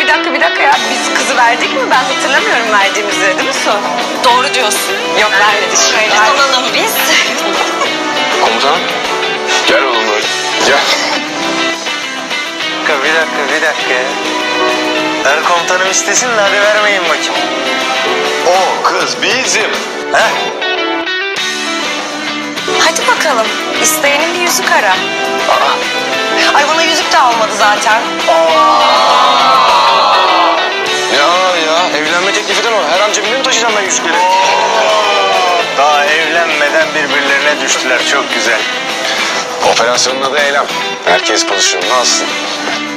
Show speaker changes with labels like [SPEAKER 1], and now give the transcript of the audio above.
[SPEAKER 1] bir dakika ya. Biz kızı verdik mi? Ben hatırlamıyorum verdiğimizi, değil mi Su? Doğru diyorsun. Yok vermedik. Şöyle alalım biz.
[SPEAKER 2] Komutanım. Gel oğlum böyle. Gel.
[SPEAKER 3] Bir dakika ya. Her komutanım istesin de hadi vermeyin bakayım.
[SPEAKER 2] O kız bizim.
[SPEAKER 3] He?
[SPEAKER 1] Hadi bakalım. İsteyenin bir yüzük ara.
[SPEAKER 4] Ay bana yüzük de almadı zaten.
[SPEAKER 2] Ya evlenme teklifinden o. Her an cebimde mi taşıyacağım ben yüzükleri?
[SPEAKER 3] Daha evlenmeden birbirlerine düştüler. Çok güzel.
[SPEAKER 2] Operasyonun adı Eylem. Herkes pozisyonunu alsın.